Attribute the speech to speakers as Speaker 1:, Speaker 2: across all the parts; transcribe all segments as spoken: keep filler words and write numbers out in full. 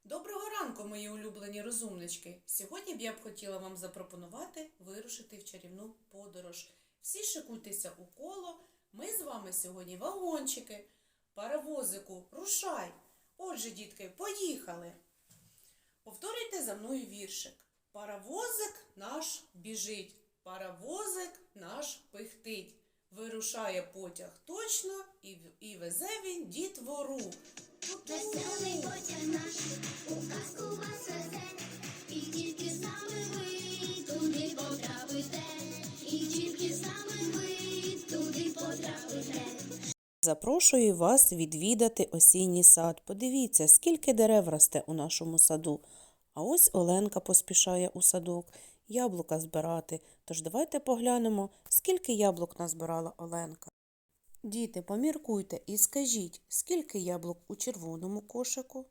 Speaker 1: Доброго ранку, мої улюблені розумнички! Сьогодні б я б хотіла вам запропонувати вирушити в чарівну подорож. Всі шикуйтеся у коло. Ми з вами сьогодні вагончики. Паровозику, рушай! Отже, дітки, поїхали! Повторюйте за мною віршик. Паровозик наш біжить, паровозик наш пихтить. Вирушає потяг точно і, і везе він дітвору.
Speaker 2: Веселий потяг наш у казку вас везе, і тільки з нами ви туди потрапите, і тільки з нами ви туди потрапите.
Speaker 3: Запрошую вас відвідати осінній сад. Подивіться, скільки дерев росте у нашому саду. А ось Оленка поспішає у садок яблука збирати. Тож давайте поглянемо, скільки яблук назбирала Оленка. Діти, поміркуйте і скажіть, скільки яблук у червоному кошику?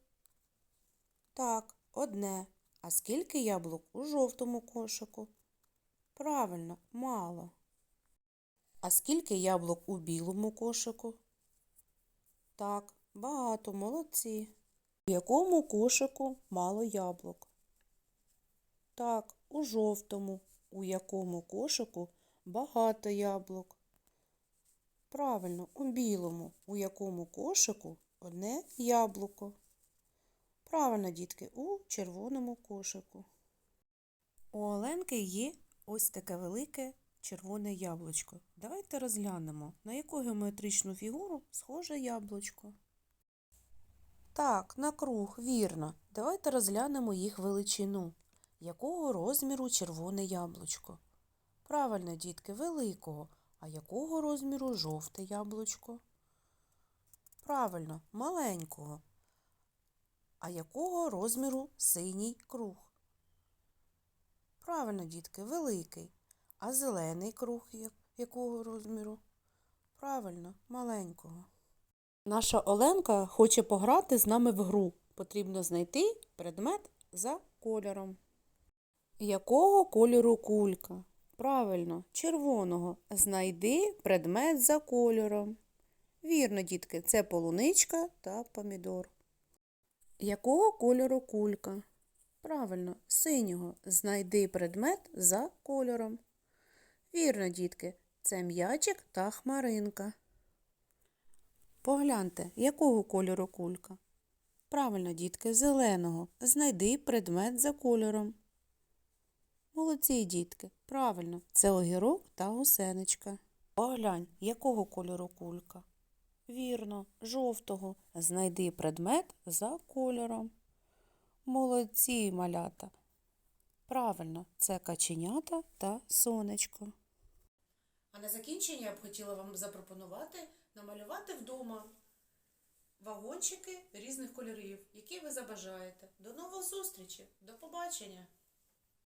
Speaker 3: Так, одне. А скільки яблук у жовтому кошику? Правильно, мало. А скільки яблук у білому кошику? Так, багато, молодці. У якому кошику мало яблук? Так, у жовтому. У якому кошику багато яблук? Правильно, у білому. У якому кошику одне яблуко? Правильно, дітки, у червоному кошику. У Оленки є ось таке велике червоне яблучко. Давайте розглянемо, на яку геометричну фігуру схоже яблучко. Так, на круг, вірно. Давайте розглянемо їх величину. Якого розміру червоне яблучко? Правильно, дітки, великого. А якого розміру жовте яблучко? Правильно, маленького. А якого розміру синій круг? Правильно, дітки, великий. А зелений круг якого розміру? Правильно, маленького. Наша Оленка хоче пограти з нами в гру. Потрібно знайти предмет за кольором. Якого кольору кулька? Правильно, червоного. Знайди предмет за кольором. Вірно, дітки, це полуничка та помідор. Якого кольору кулька? Правильно, синього. Знайди предмет за кольором. Вірно, дітки, це м'ячик та хмаринка. Погляньте, якого кольору кулька? Правильно, дітки, зеленого. Знайди предмет за кольором. Молодці, дітки. Правильно, це огірок та гусеничка. Поглянь, якого кольору кулька? Вірно, жовтого. Знайди предмет за кольором. Молодці, малята. Правильно, це каченята та сонечко.
Speaker 1: А на закінчення я б хотіла вам запропонувати намалювати вдома вагончики різних кольорів, які ви забажаєте. До нових зустрічей! До побачення!